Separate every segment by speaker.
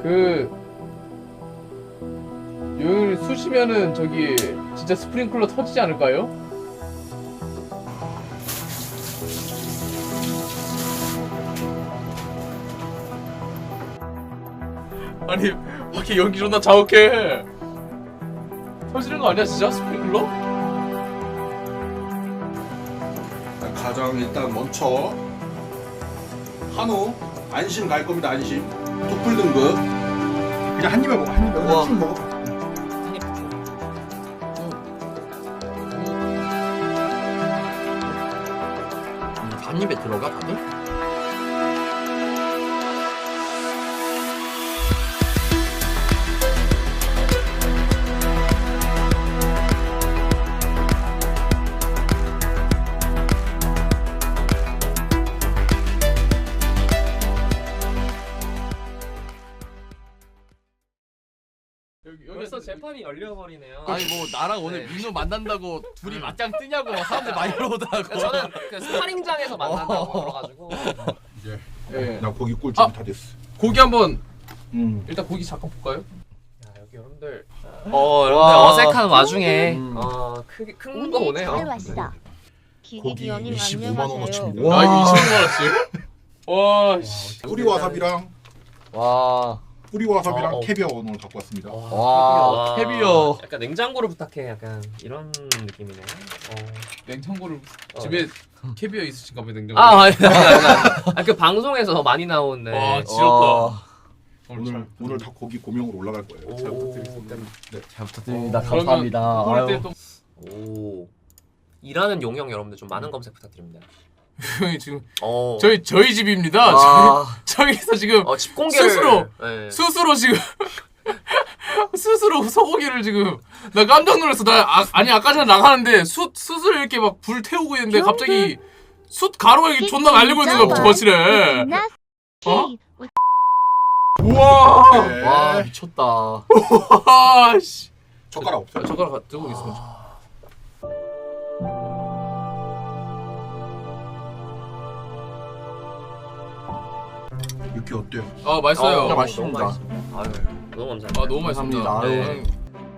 Speaker 1: 여기 쑤시면은 저기 진짜 스프링클러 터지지 않을까요? 아니 밖에 연기 존나 자욱해. 터지는 거 아니야 진짜 스프링클러?
Speaker 2: 가장 일단 먼저 한우 안심 갈 겁니다. 안심 도플 등급 그냥 한 입에 먹어. 한 입에
Speaker 3: 우와.
Speaker 2: 쭉 먹어.
Speaker 3: 한 입에 들어가 다들?
Speaker 4: 벌써 재판이 열려버리네요.
Speaker 3: 아니 뭐 나랑 오늘
Speaker 4: 네.
Speaker 3: 민우 만난다고 둘이 맞짱 뜨냐고 막 사람들 많이 물어보더라고.
Speaker 4: 저는 그 스파링장에서 만난다고 그래가지고
Speaker 2: 이제
Speaker 1: 예.
Speaker 2: 나 고기 꿀 준비
Speaker 1: 아!
Speaker 2: 다 됐어.
Speaker 1: 고기 한번
Speaker 2: 일단
Speaker 1: 고기 잠깐 볼까요?
Speaker 4: 야, 여기 여러분들
Speaker 3: 와.
Speaker 4: 여러분들 어색한 와중에
Speaker 3: 음.
Speaker 4: 큰 거 오네요.
Speaker 5: 잘 왔어.
Speaker 2: 고기
Speaker 5: 기기기원님
Speaker 2: 25만 원어치입니다.
Speaker 5: 안녕하세요.
Speaker 1: 아 이거 25만원씩? 와 씨.
Speaker 2: 뿌리 와사비랑
Speaker 3: 와.
Speaker 2: 뿌리 와사비랑
Speaker 4: 어.
Speaker 2: 캐비어 오늘 갖고 왔습니다.
Speaker 3: 와, 캐비어.
Speaker 4: 약간 냉장고를 부탁해. 약간 이런 느낌이네.
Speaker 1: 냉장고를
Speaker 4: 어.
Speaker 1: 집에 캐비어 있으신가 봐요 냉장고.
Speaker 4: 그 방송에서 많이 나오네.
Speaker 1: 와 지렸다.
Speaker 2: 오늘 다 고기 고명으로 올라갈 거예요.
Speaker 4: 오.
Speaker 2: 잘 부탁드리겠습니다. 네.
Speaker 3: 잘 부탁드립니다.
Speaker 1: 그러면
Speaker 3: 감사합니다.
Speaker 1: 그럴
Speaker 3: 아유.
Speaker 1: 때또
Speaker 4: 오. 일하는 용영 여러분들 좀 많은 검색 부탁드립니다.
Speaker 1: 형이 지금
Speaker 4: 어.
Speaker 1: 저희 집입니다.
Speaker 3: 아.
Speaker 1: 저기서 지금
Speaker 4: 집 공개를
Speaker 1: 스스로!
Speaker 4: 네.
Speaker 1: 스스로 지금 스스로 소고기를 지금 나 깜짝 놀랐어. 아니 아까 전에 나가는데 스스로 이렇게 막 불 태우고 있는데 갑자기 숯 가루가 이렇게 존나 날리고 있는 거야 거실에. 어? 우와.
Speaker 2: 네.
Speaker 3: 와, 미쳤다.
Speaker 1: 와 씨.
Speaker 2: 젓가락 없어요.
Speaker 1: 젓가락 들고 있어.
Speaker 2: 육회 어때요?
Speaker 1: 아 맛있어요.
Speaker 3: 진짜 맛있습니다.
Speaker 4: 너무 맛있습니다. 아유, 너무 감사합니다.
Speaker 1: 아 너무 맛있습니다.
Speaker 3: 감사합니다.
Speaker 4: 네.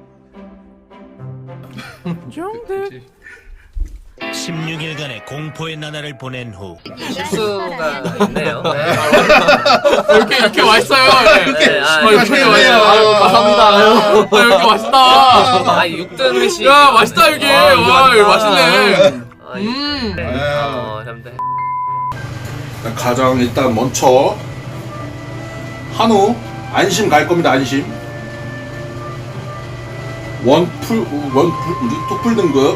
Speaker 1: 정대.
Speaker 6: 16일간의 공포의 나날을 보낸 후
Speaker 4: 실수가 있네요. 네.
Speaker 1: 이렇게 맛있어요.
Speaker 4: 네,
Speaker 1: 이렇게 맛있어요.
Speaker 3: 아유, 감사합니다. 아유.
Speaker 1: 이렇게 맛있다.
Speaker 4: 육등 회식.
Speaker 1: 야 맛있다 여기. 와 이거 맛있네.
Speaker 4: 여러분들.
Speaker 2: 가장 일단 먼저 한우 안심 갈 겁니다. 안심 원풀 투풀 등급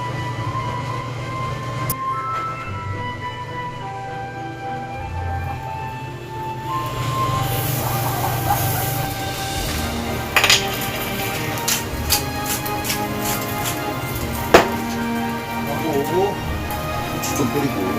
Speaker 2: 하고 고추 좀 뿌리고.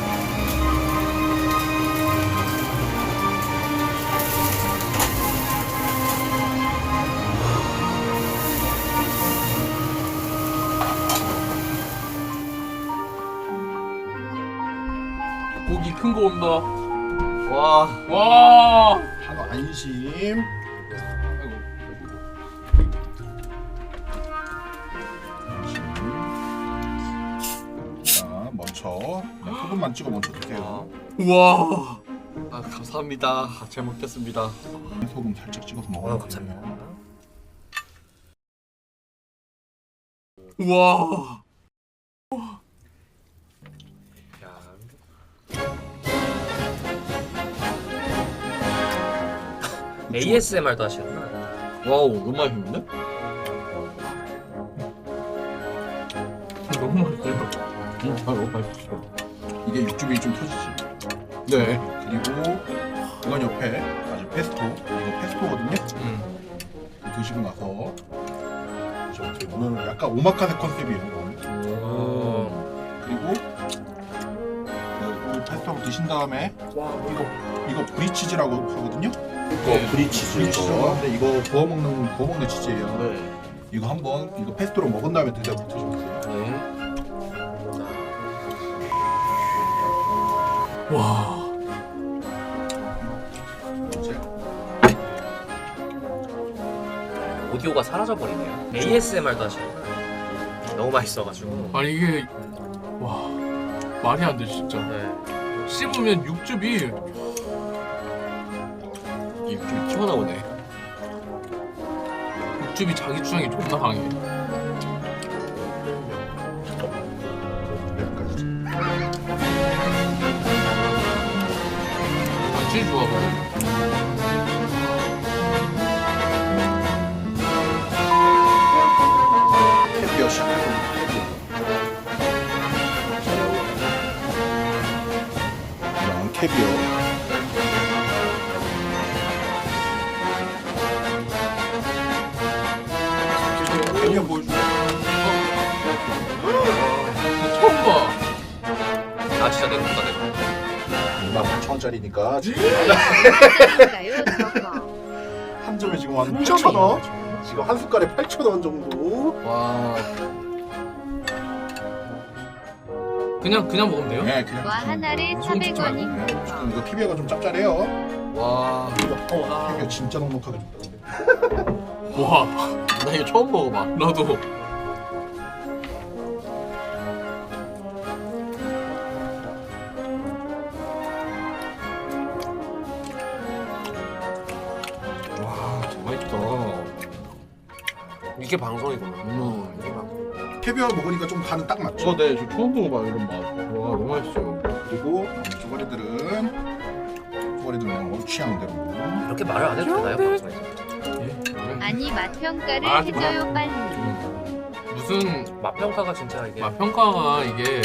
Speaker 1: 고기 큰 거 온다.
Speaker 3: 와.
Speaker 1: 와.
Speaker 2: 한우 안심. 자, 먼저 그냥 소금만 찍어 먼저 드세요.
Speaker 1: 우와.
Speaker 3: 아, 감사합니다. 잘 먹겠습니다.
Speaker 2: 소금 살짝 찍어서 먹어요.
Speaker 4: 감사합니다.
Speaker 1: 우와.
Speaker 4: ASMR도 하시는구나.
Speaker 3: 와우, 너무 맛있는데?
Speaker 1: 너무 맛있어요.
Speaker 3: 너무 맛있어.
Speaker 2: 이게 육즙이 좀 터지지.
Speaker 3: 네.
Speaker 2: 그리고 이건 옆에 아주 페스토. 이거 페스토거든요. 이거 드시고 나서 오늘은 약간 오마카세 컨셉이에요. 그리고 그 페스토를 드신 다음에 이거 브리치즈라고 하거든요.
Speaker 1: 네.
Speaker 2: 브리치즈 이거. 근데 이거 구워 먹는 치즈예요.
Speaker 3: 네.
Speaker 2: 이거 한번 이거 페스토로 먹은 다음에 드셔보세요.
Speaker 3: 네.
Speaker 1: 와.
Speaker 2: 이제
Speaker 4: 오디오가 사라져버리네요. ASMR도 하시는구나. 너무 맛있어가지고.
Speaker 1: 아니 이게 와 말이 안 돼 진짜.
Speaker 4: 네.
Speaker 1: 씹으면 육즙이
Speaker 2: 이게 좀 튀어나오네.
Speaker 1: 육즙이 자기 주장이 존나 강해.
Speaker 2: 여기까지.
Speaker 1: 제일 좋아하거든.
Speaker 2: 캐비어 시작해봅니다. 이런 캐비어. 캐비어 보여줘.
Speaker 1: 처음 봐.
Speaker 4: 아 진짜 내 것보다 내 거.
Speaker 2: 28,000원짜리니까 지금
Speaker 5: 인가요 저거?
Speaker 2: 한 점에 지금 한 8,000원. 지금 한 숟갈에 8,000원 정도.
Speaker 3: 와.
Speaker 1: 그냥 먹으면 돼요?
Speaker 2: 네, 그냥.
Speaker 5: 와 하나에
Speaker 1: 엄청
Speaker 5: 400원인
Speaker 2: 좀
Speaker 5: 그거.
Speaker 2: 이거 캐비어가 좀 짭짤해요.
Speaker 3: 와.
Speaker 2: 캐비어 진짜 넉넉하게 줬다.
Speaker 1: 와
Speaker 3: 나 이거 처음 먹어봐.
Speaker 1: 나도.
Speaker 3: 와, 진짜 맛있다.
Speaker 4: 이게 방송이구나.
Speaker 3: 이게 방송.
Speaker 2: 캐비어 먹으니까 좀 간은 딱 맞죠.
Speaker 3: 네, 저 처음 먹어봐 이런 맛. 와, 너무 맛있어요.
Speaker 2: 그리고 쪼가리들은 그냥 취향대로.
Speaker 4: 이렇게 말을 안 해도 되나요 방송에서?
Speaker 5: 아니 맛평가를
Speaker 1: 아,
Speaker 5: 해줘요 빨리.
Speaker 1: 무슨
Speaker 4: 맛 평가가 진짜 이게.
Speaker 1: 맛 평가가 이게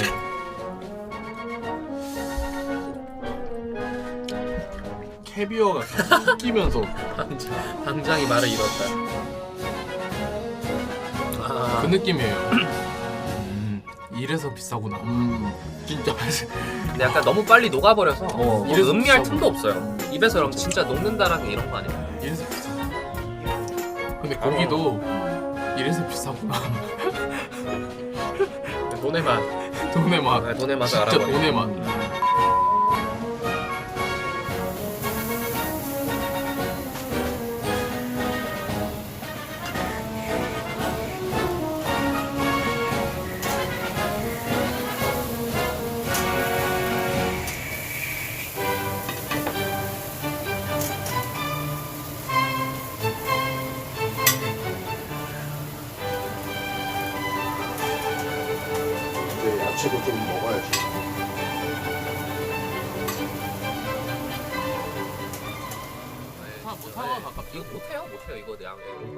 Speaker 3: 캐비어가 섞이면서
Speaker 4: 당장이 말을 잃었다. 아,
Speaker 1: 그 느낌이에요. 이래서 비싸구나.
Speaker 3: 진짜
Speaker 4: 근데 약간 너무 빨리 녹아버려서 이게
Speaker 1: 이래서
Speaker 4: 음미할
Speaker 1: 비싸고.
Speaker 4: 틈도 없어요. 입에서 그럼 진짜 녹는다라는 게 이런 거 아니에요?
Speaker 1: 이래서 비싸. 근데 고기도 이래서 비싸구나.
Speaker 4: 돈의 맛.
Speaker 1: 돈의 맛.
Speaker 4: 아, 돈의 맛을
Speaker 1: 진짜
Speaker 4: 알아버려.
Speaker 1: 돈의 맛.
Speaker 2: 이제 야채도 좀 먹어야지.
Speaker 1: 사과 가깝.
Speaker 4: 이거 못해요? 못해요. 이거 양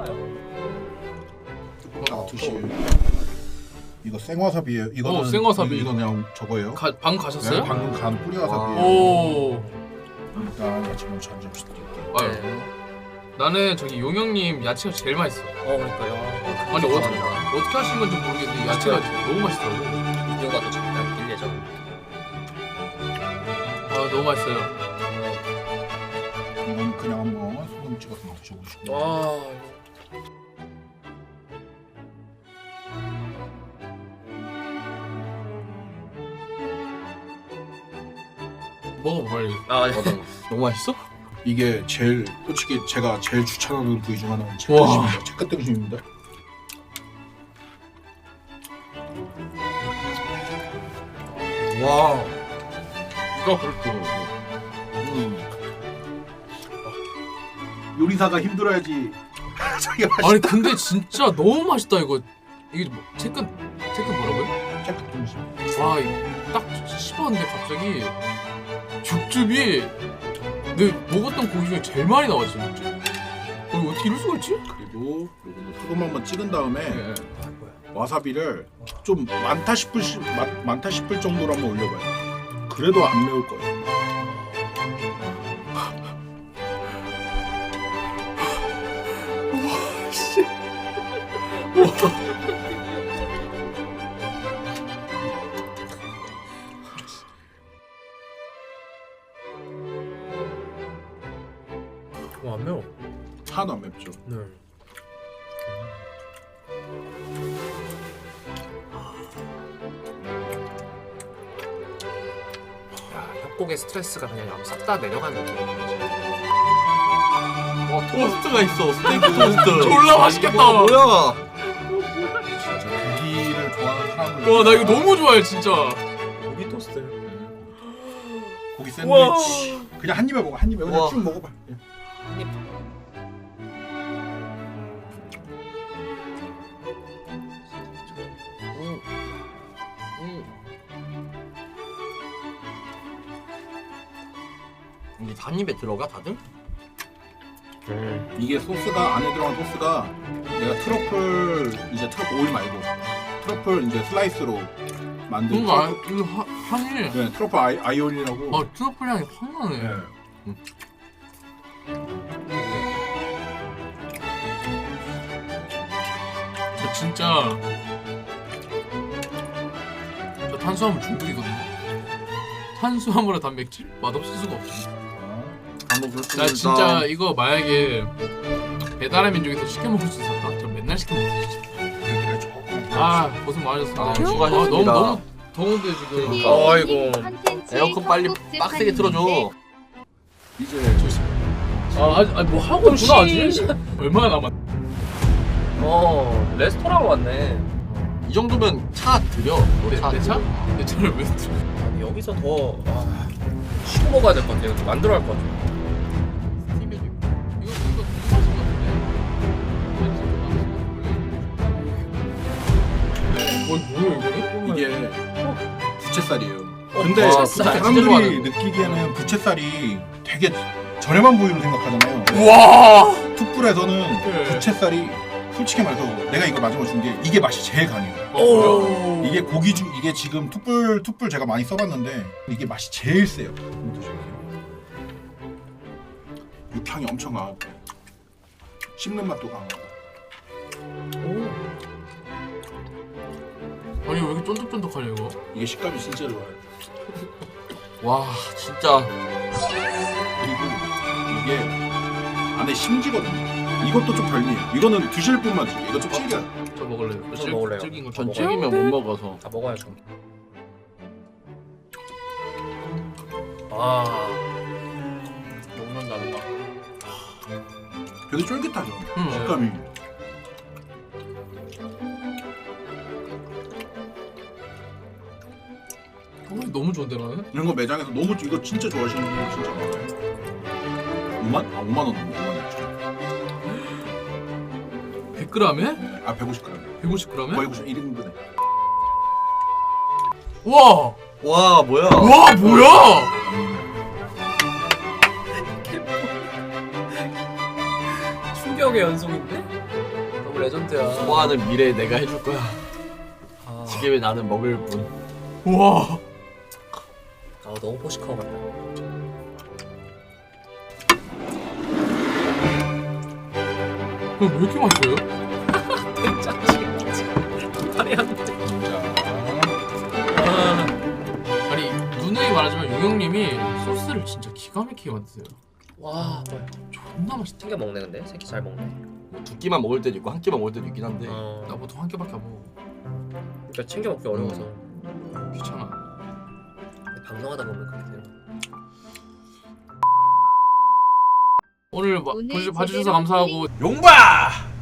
Speaker 2: 자, 드실. 이거 생와사비예요. 이거는
Speaker 1: 생와사비.
Speaker 2: 이거 그냥 저거예요.
Speaker 1: 방 가셨어요?
Speaker 2: 네, 방금 간 뿌리와사비예요.
Speaker 1: 오.
Speaker 2: 일단 야채 먼저 한 점씩 드릴게요.
Speaker 1: 아유. 나는 저기 용영님 야채가 제일 맛있어.
Speaker 4: 그러니까요.
Speaker 1: 아니 어떻게 하신 건지 모르겠는데 야채가 너무 맛있더라고.
Speaker 4: 비디오가 또 잠깐 길 예정.
Speaker 1: 아 너무 맛있어요.
Speaker 2: 이건 그냥 한번 소금 찍어서 드셔보시고.
Speaker 4: 와.
Speaker 1: 먹어봐 빨리.
Speaker 4: 아,
Speaker 3: 너무 맛있어?
Speaker 2: 이게 제일 솔직히 제가 제일 추천하는 부위 중 하나는
Speaker 1: 와.
Speaker 2: 채끝등심입니다. 채끝등심입니다.
Speaker 3: 와.
Speaker 1: 이거 그렇고.
Speaker 2: 요리사가 힘들어야지. 자기가 맛있.
Speaker 1: 아니 근데 진짜 너무 맛있다 이거. 이게 뭐 채끝 뭐라고요?
Speaker 2: 채끝등심.
Speaker 1: 와, 이거 딱 씹었는데 갑자기 육즙이 내 먹었던 고기 중에 제일 많이 나왔지 육즙. 어떻게 이럴 수가 있지?
Speaker 2: 그리고 요거는 소금 한번 찍은 다음에
Speaker 1: 네.
Speaker 2: 와사비를 좀 많다 싶을 정도로 한번 올려봐요. 그래도 안 매울 거예요.
Speaker 4: 안 매워.
Speaker 2: 하나도 안 맵죠.
Speaker 4: 네. 야, 협곡의 스트레스가 그냥 싹 다 내려가는 느낌이지.
Speaker 3: 토스트가 있어. 스테이크 토스트.
Speaker 1: 졸라 맛있겠다.
Speaker 3: 뭐야?
Speaker 2: 진짜 고기를 좋아하는 사람은
Speaker 1: 와 나 이거 너무 좋아해 진짜.
Speaker 4: 고기 토스트.
Speaker 2: 고기 샌드위치 그냥 한 입에 먹어 한 입에 그냥
Speaker 3: 우와.
Speaker 2: 쭉 먹어봐.
Speaker 3: 이게 한 입에 들어가 다들?
Speaker 2: 이게 소스가 안에 들어간 소스가 내가 트러플 오일 말고 트러플 이제 슬라이스로 만든
Speaker 1: 뭔가
Speaker 2: 트러플,
Speaker 1: 이거 향이
Speaker 2: 네, 트러플 아이올이라고.
Speaker 1: 아 트러플 향이 확 나네.
Speaker 2: 네.
Speaker 1: 저 진짜 저 탄수화물 중독이거든요. 탄수화물과 단백질 맛없을 수가 없어.
Speaker 3: 한번 그렇습니다.
Speaker 1: 나 진짜 이거 만약에 배달의 민족에서 시켜 먹을 수 있었다. 저 맨날 시켜 먹었어 진짜. 아 고생 많으셨습니다.
Speaker 3: 아, 수고하셨습니다.
Speaker 1: 너무 더운데 지금.
Speaker 3: 아이고. 에어컨 빨리 빡세게 틀어줘.
Speaker 2: 이제
Speaker 1: 뭐 하고 있구나 아직. 얼마나 남았?
Speaker 4: 레스토랑 왔네.
Speaker 3: 이 정도면 차 드려.
Speaker 1: 내 차? 내 차를 왜 들어?
Speaker 4: 아니, 여기서 더 쉬고 먹어야 될 것 같아. 이거 만들어 할 것 같아.
Speaker 1: 스팀에도 있고. 이거 궁금하신 것 같은데. 뭐야 이거는?
Speaker 2: 이게 부채살이에요. 근데
Speaker 1: 와,
Speaker 2: 사람들이 느끼기에는 부채살이 되게 저렴한 부위로 생각하잖아요.
Speaker 1: 와.
Speaker 2: 툭불에서는
Speaker 1: 네.
Speaker 2: 부채살이 솔직히 말해서 내가 이거 마지막에 준 게 이게 맛이 제일 강해요.
Speaker 1: 오.
Speaker 2: 이게 고기 중 이게 지금 툭불 제가 많이 써봤는데 이게 맛이 제일 세요. 육향이 엄청 강하고 씹는 맛도 강하고.
Speaker 1: 아니 왜 이렇게 쫀득쫀득하냐 이거?
Speaker 2: 이게 식감이 진짜 좋아요.
Speaker 3: 와 진짜
Speaker 2: 그리고 이게 안에 심지거든요. 이것도 좀 별미해요. 이거는 드실 분만 드세요. 이거 좀 질겨요.
Speaker 1: 저 먹을래요.
Speaker 4: 저 먹을래요.
Speaker 1: 질긴 거.
Speaker 3: 전
Speaker 1: 먹어요.
Speaker 3: 튀기면 못 먹어서.
Speaker 4: 다 먹어야죠. 아, 먹는다 누가.
Speaker 2: 되게 쫄깃하죠.
Speaker 1: 응.
Speaker 2: 식감이.
Speaker 1: 너무 좋은데 나는?
Speaker 2: 이런 거 매장에서 너무 이거 진짜 좋아하시는 분들 진짜 많아요. 5만? 아 5만 원. 5만
Speaker 1: 100g에?
Speaker 2: 아 150g.
Speaker 1: 150g에?
Speaker 2: 거의 1인분에.
Speaker 1: 와!
Speaker 3: 와 뭐야?
Speaker 1: 와 뭐야!
Speaker 4: 충격의 연속인데? 너무 레전드야.
Speaker 3: 좋아하는 미래에 내가 해줄 거야.
Speaker 4: 아,
Speaker 3: 지금의 나는 먹을 뿐.
Speaker 1: 와!
Speaker 4: 아 너무 포시카워 같다.
Speaker 1: 이거 왜 이렇게 맛있어요?
Speaker 4: 말이 안 돼.
Speaker 1: 아니 누누이 말하지만 용영님이 소스를 진짜 기가 막히게 만드세요.
Speaker 4: 와, 뭐야.
Speaker 1: 존나 맛있다.
Speaker 4: 챙겨 먹네 근데 새끼 잘 먹네.
Speaker 3: 뭐 두 끼만 먹을 때도 있고 한 끼만 먹을 때도 있긴 한데.
Speaker 1: 나 보통 한 개밖에 안 먹어.
Speaker 4: 그러니까 챙겨 먹기 어려워서.
Speaker 1: 귀찮아.
Speaker 4: 근데 방송하다 보면 그렇게 되는 거야.
Speaker 1: 오늘
Speaker 5: 오늘
Speaker 1: 봐주셔서
Speaker 5: 제대로
Speaker 1: 감사하고
Speaker 2: 용바!